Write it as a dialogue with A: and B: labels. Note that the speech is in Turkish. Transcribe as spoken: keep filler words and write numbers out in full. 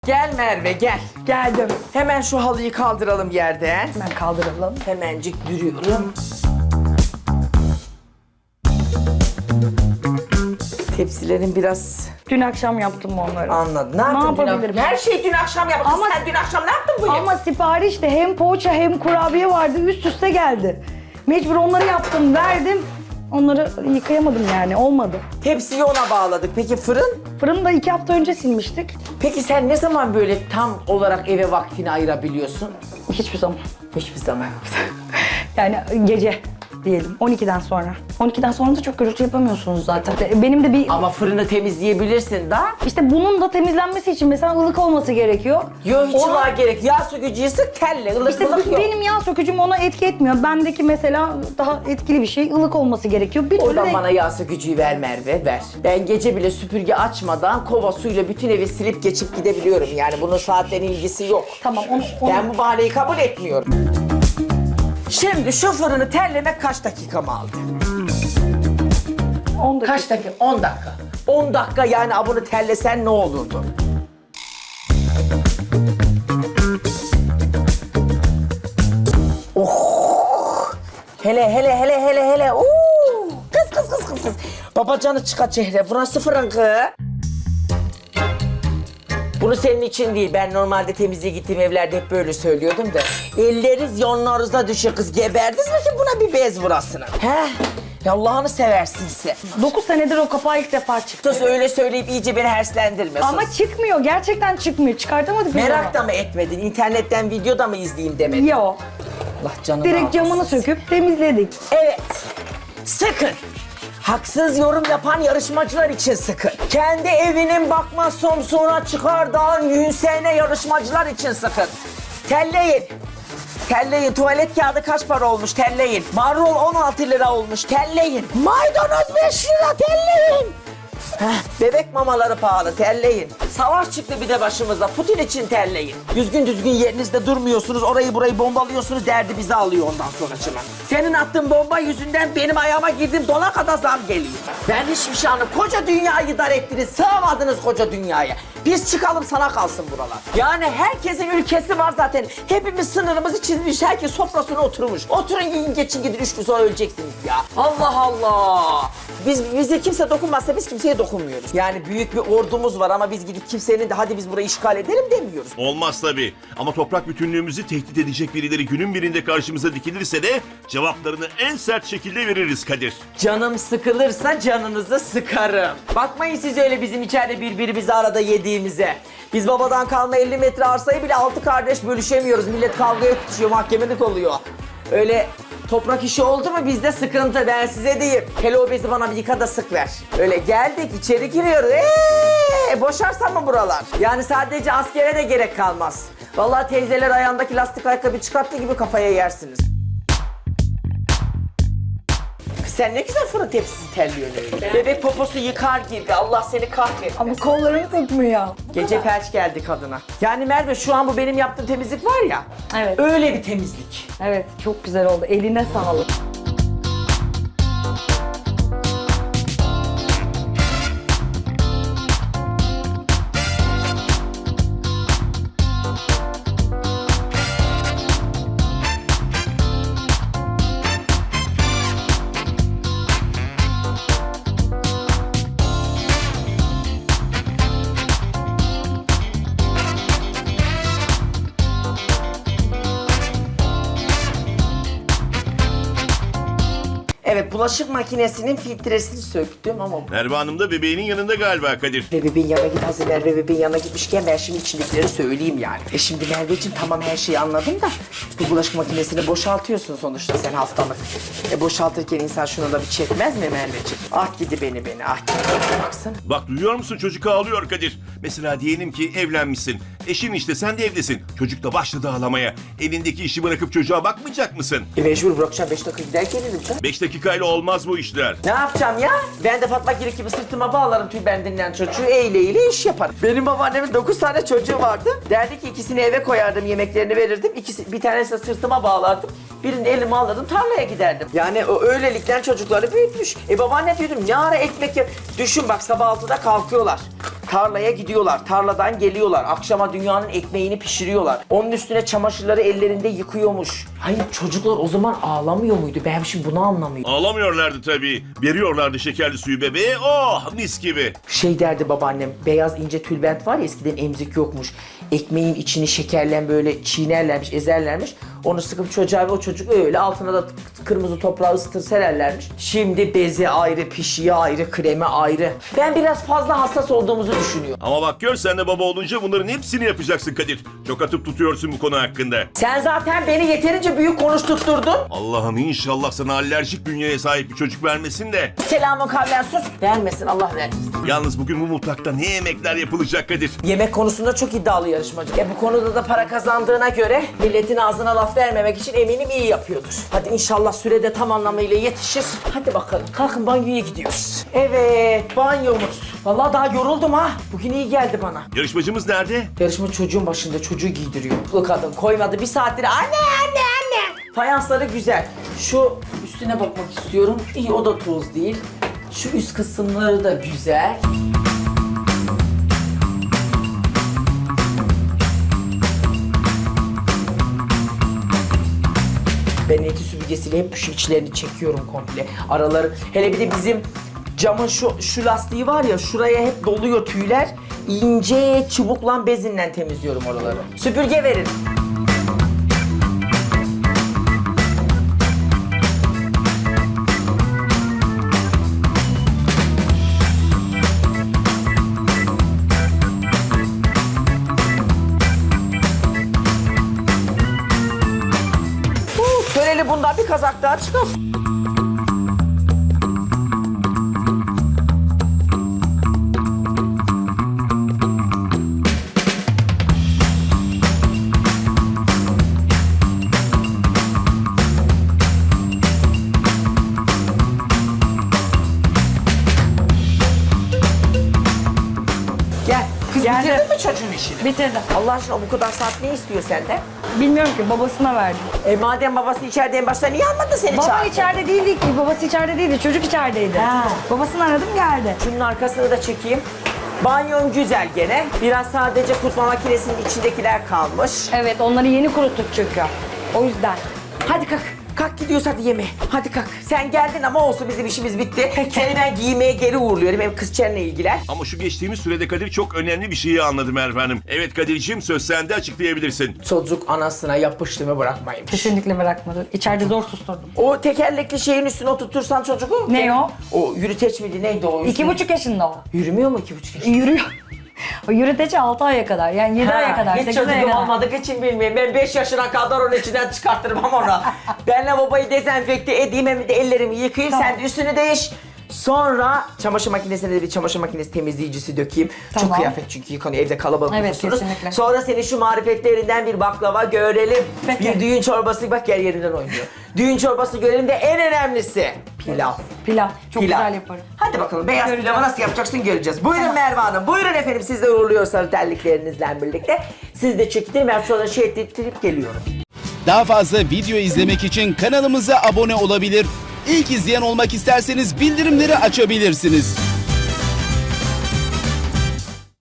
A: Gel Merve gel.
B: Geldim.
A: Hemen şu halıyı kaldıralım yerden.
B: Hemen kaldıralım.
A: Hemencik dürüyorum. Tepsilerin biraz
B: Dün akşam yaptım onları.
A: anladım. Ne yaptın dün
B: yapabilirim?
A: akşam? Her şeyi dün akşam yaptın.
B: Ama-
A: Sen dün akşam ne yaptın bu yıl?
B: Ama siparişte hem poğaça hem kurabiye vardı. Üst üste geldi. Mecbur onları yaptım, verdim. Onları yıkayamadım yani. Olmadı.
A: Tepsiyi ona bağladık. Peki fırın?
B: Fırını da iki hafta önce silmiştik.
A: Peki sen ne zaman böyle tam olarak eve vaktini ayırabiliyorsun?
B: Hiçbir zaman.
A: Hiçbir zaman.
B: Yani gece diyelim. on ikiden sonra. on ikiden sonra da çok gürültü yapamıyorsunuz zaten. Benim de bir...
A: Ama fırını temizleyebilirsin da.
B: İşte bunun da temizlenmesi için mesela ılık olması gerekiyor.
A: Yok hiç
B: Ona-
A: var gerek. Yağ sökücüyü sık telle. Ilık
B: İşte
A: ılık yok.
B: benim yağ sökücüm ona etki etmiyor. Bendeki mesela daha etkili bir şey ılık olması gerekiyor. Bir türlü
A: Oradan
B: de-
A: bana yağ sökücüyü ver Merve, ver. Ben gece bile süpürge açmadan kova suyla bütün evi silip geçip gidebiliyorum. Yani bunun saatten ilgisi yok.
B: Tamam onu, onu...
A: Ben bu bahaneyi kabul etmiyorum. Şimdi şu fırını terlemek kaç dakika mı aldı?
B: on dakika.
A: Kaç dakika? on dakika. on dakika yani abunu terlesen ne olurdu? Oh! Hele hele hele hele hele. Oo! Kız kız kız kız kız. Babacanı çıkar çehre. Burası fırın kız. Bunu senin için değil. Ben normalde temizliğe gittiğim evlerde hep böyle söylüyordum da. Elleriniz yonlarınıza düşüyor kız. Geberdiniz mi ki buna bir bez vurasını? He? Ya Allah'ını seversin sen.
B: dokuz senedir o kapağı ilk defa çıktı.
A: Sus öyle söyleyip iyice beni herslendirme. sus.
B: Ama çıkmıyor. Gerçekten çıkmıyor. Çıkartamadık biz
A: Merak
B: onu.
A: da mı etmedin? İnternetten video da mı izleyeyim demedin?
B: Yo.
A: Allah canını
B: Direkt camını
A: almasın.
B: söküp temizledik.
A: Evet. Sıkın. Haksız yorum yapan yarışmacılar için sıkın. Kendi evinin bakma somsuna çıkardan yünsene yarışmacılar için sıkın. Telleyin. Telleyin. Tuvalet kağıdı kaç para olmuş? Telleyin. Marul on altı lira olmuş. Telleyin. Maydanoz beş lira. Telleyin. Heh, bebek mamaları pahalı, terleyin. Savaş çıktı bir de başımıza, Putin için terleyin. Düzgün düzgün yerinizde durmuyorsunuz, orayı burayı bombalıyorsunuz, derdi bizi alıyor ondan sonra çınar. Senin attığın bomba yüzünden benim ayağıma girdiğim dona kadar zam geliyor. Ben hiçbir şey anlamadım. Koca dünyayı dar ettiniz, sığamadınız koca dünyaya. Biz çıkalım sana kalsın buralar. Yani herkesin ülkesi var zaten. Hepimiz sınırımızı çizmiş, herkes sofrasına oturmuş. Oturun yiyin geçin gidin, üç gün sonra öleceksiniz ya. Allah Allah. Biz bize kimse dokunmazsa biz kimseye dokunmuyoruz. Yani büyük bir ordumuz var ama biz gidip kimsenin de hadi biz burayı işgal edelim demiyoruz.
C: Olmaz tabii. Ama toprak bütünlüğümüzü tehdit edecek birileri günün birinde karşımıza dikilirse de cevaplarını en sert şekilde veririz Kadir.
A: Canım sıkılırsa canınızı sıkarım. Bakmayın siz öyle bizim içeride birbirimizi arada yediğimize. Biz babadan kalma elli metre arsayı bile altı kardeş bölüşemiyoruz. Millet kavgaya tutuşuyor, mahkemelik oluyor. Öyle toprak işi oldu mu bizde sıkıntı, ben size diyeyim. Hele o bezi bana bir yıka da sık ver. Öyle geldik içeri giriyoruz. Eee boşarsa mı buralar? Yani sadece askere de gerek kalmaz. Vallahi teyzeler ayağındaki lastik ayakkabı çıkarttığı gibi kafaya yersiniz. Sen ne güzel fırın tepsisi terliyorsun öyle. Bebek poposu yıkar gibi. Allah seni kahretsin.
B: Ama kollarını tutmuyor.
A: Gece felç geldi kadına. Yani Merve şu an bu benim yaptığım temizlik var ya.
B: Evet.
A: Öyle bir temizlik.
B: Evet, çok güzel oldu. Eline sağlık.
A: Evet, bulaşık makinesinin filtresini söktüm ama...
C: Merve Hanım da bebeğinin yanında galiba Kadir.
A: Ve bebeğin yanına git, hazır Merve bebeğin yanına gitmişken ben şimdi içindekileri söyleyeyim yani. E şimdi Merveciğim tamam her şeyi anladım da bu bulaşık makinesini boşaltıyorsun sonuçta sen haftalık. E boşaltırken insan şunu da bir çekmez mi Merveciğim? Ah gidi beni beni ah gidi. Baksana.
C: Bak duyuyor musun, çocuk ağlıyor Kadir. Mesela diyelim ki evlenmişsin. Eşin işte, sen de evdesin. Çocuk da başladı ağlamaya. Elindeki işi bırakıp çocuğa bakmayacak mısın?
A: E mecbur bırakacağım, beş dakika gider gelirim canım.
C: Beş dakikayla olmaz bu işler.
A: Ne yapacağım ya? Ben de Fatma Girik gibi sırtıma bağlarım tüy bendinden çocuğu, eyle eyle iş yaparım. Benim babaannemin dokuz tane çocuğu vardı. Derdi ki ikisini eve koyardım, yemeklerini verirdim. İkisi, bir tanesini sırtıma bağlardım. Birini elime alırdım, tarlaya giderdim. Yani o öylelikten çocukları büyütmüş. E babaanne diyordum, ne ara ekmek yap... Düşün bak sabah altıda kalkıyorlar. Tarlaya gidiyorlar, tarladan geliyorlar. Akşama dünyanın ekmeğini pişiriyorlar. Onun üstüne çamaşırları ellerinde yıkıyormuş. Hayır, çocuklar o zaman ağlamıyor muydu? Ben şimdi bunu anlamıyorum.
C: Ağlamıyorlardı tabii. Veriyorlardı şekerli suyu bebeğe. Oh mis gibi.
A: Şey derdi babaannem, beyaz ince tülbent var ya, eskiden emzik yokmuş. Ekmeğin içini şekerlen böyle çiğnerlermiş, ezerlermiş. Onu sıkıp çocuğa ve o çocuk öyle altına da kırmızı toprağı ısıtır sererlermiş. Şimdi beze ayrı, pişiği ayrı, kremi ayrı. Ben biraz fazla hassas olduğumuzu düşünüyorum.
C: Ama bak gör, sen de baba olunca bunların hepsini yapacaksın Kadir. Çok atıp tutuyorsun bu konu hakkında.
A: Sen zaten beni yeterince büyük konuşturtturdun.
C: Allah'ım inşallah sana alerjik bünyeye sahip bir çocuk vermesin de.
A: Selamun kavlen sus. Vermesin, Allah vermesin.
C: Yalnız bugün bu mutfakta ne yemekler yapılacak Kadir?
A: Yemek konusunda çok iddialı yarışmacı. E bu konuda da para kazandığına göre milletin ağzına laf vermemek için eminim iyi yapıyordur. Hadi inşallah sürede tam anlamıyla yetişir. Hadi bakalım, kalkın banyoya gidiyoruz. Evet, banyomuz. Vallahi daha yoruldum ha. Bugün iyi geldi bana.
C: Yarışmacımız nerede?
A: Yarışma çocuğun başında, çocuğu giydiriyor. Bu kadın koymadı bir saattir. Anne anne anne. Fayansları güzel. Şu üstüne bakmak istiyorum. İyi, o da toz değil. Şu üst kısımları da güzel. Ben eti süpürgesiyle hep şu içlerini çekiyorum komple. Araları, hele bir de bizim camın şu şu lastiği var ya, şuraya hep doluyor tüyler. İnce çubukla bezinle temizliyorum oraları. Süpürge verin. Uh, Köreli bundan bir kazak daha çıkar. Gel. Kız
B: Geldi.
A: bitirdin mi çocuğun işini?
B: Bitirdim.
A: Allah aşkına bu kadar saat ne istiyor senden?
B: Bilmiyorum ki, babasına verdim.
A: E madem babası içeride en başta niye almadı seni
B: Baba
A: çağırdı?
B: içeride değildi ki, babası içeride değildi, çocuk içerideydi.
A: Ha.
B: Babasını aradım, geldi.
A: Şunun arkasını da çekeyim. Banyon güzel gene. Biraz sadece kurutma makinesinin içindekiler kalmış.
B: Evet, onları yeni kuruttuk çünkü. O yüzden.
A: Hadi kalk. Kalk gidiyoruz hadi yemeğe. Hadi kalk. Sen geldin ama olsun, bizim işimiz bitti. Seni ben giymeye geri uğurluyorum. Hem kızçenle ilgilen.
C: Ama şu geçtiğimiz sürede Kadir çok önemli bir şeyi anladı Merve Hanım. Evet Kadir'ciğim, söz sende, açıklayabilirsin.
A: Çocuk anasına yapıştığımı bırakmaymış.
B: Kesinlikle bırakmadı. İçeride zor susturdum.
A: O tekerlekli şeyin üstüne oturtursan çocuğu...
B: Ne o?
A: O yürüteç miydi neydi o?
B: İki buçuk yaşında o.
A: Yürümüyor mu iki buçuk yaşında?
B: Yürüyor. O yürüteci altı aya kadar, yani yedi aya kadar,
A: hiç
B: sekiz aya
A: çocuğum
B: kadar.
A: olmadık için bilmiyorum. Ben beş yaşına kadar onun içinden çıkarttırmam onu. Ben lavaboyu dezenfekte edeyim, hem de ellerimi yıkayayım.
B: Tamam.
A: Sen de üstünü değiş. Sonra çamaşır makinesine de bir çamaşır makinesi temizleyicisi dökeyim. Çok
B: Tamam.
A: kıyafet çünkü yıkanıyor, evde kalabalık
B: Evet,
A: nüfusunuz.
B: kesinlikle.
A: Sonra senin şu marifetlerinden bir baklava görelim.
B: Peki.
A: Bir düğün çorbası, bak gel yerinden oynuyor. Düğün çorbası görelim de en önemlisi pilav.
B: Pilav. Çok
A: Pilav.
B: güzel yaparım.
A: Hadi bakalım, beyaz
B: Göreceğiz.
A: pilavı nasıl yapacaksın göreceğiz. Buyurun Merve Hanım, buyurun efendim, siz de uğurluyorsanız terliklerinizle birlikte. Siz de çekitin, ben şurada şey ettirip geliyorum.
D: Daha fazla video izlemek için kanalımıza abone olabilir. İlk izleyen olmak isterseniz bildirimleri açabilirsiniz.